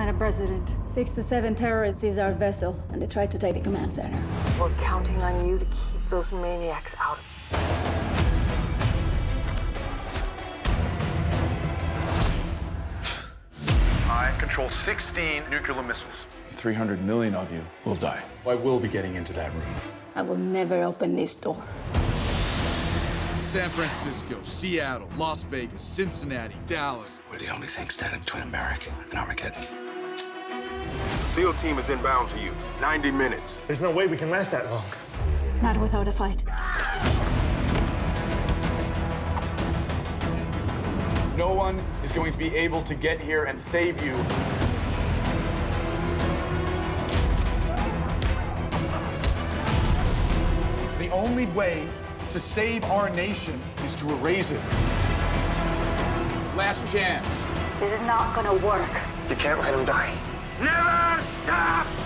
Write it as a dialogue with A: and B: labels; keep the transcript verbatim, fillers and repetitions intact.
A: Madam President, six to seven terrorists seized our vessel, and they tried to take the command center.
B: We're counting on you to keep those maniacs out.
C: I control sixteen nuclear missiles.
D: three hundred million of you will die.
E: I will be getting into that room.
A: I will never open this door.
F: San Francisco, Seattle, Las Vegas, Cincinnati, Dallas.
G: We're the only thing standing between America and Armageddon.
C: The SEAL team is inbound to you. ninety minutes.
H: There's no way we can last that long.
A: Not without a fight.
E: No one is going to be able to get here and save you. The only way to save our nation is to erase it. Last chance.
B: This is not gonna work.
H: You can't let him die.
C: Never stop!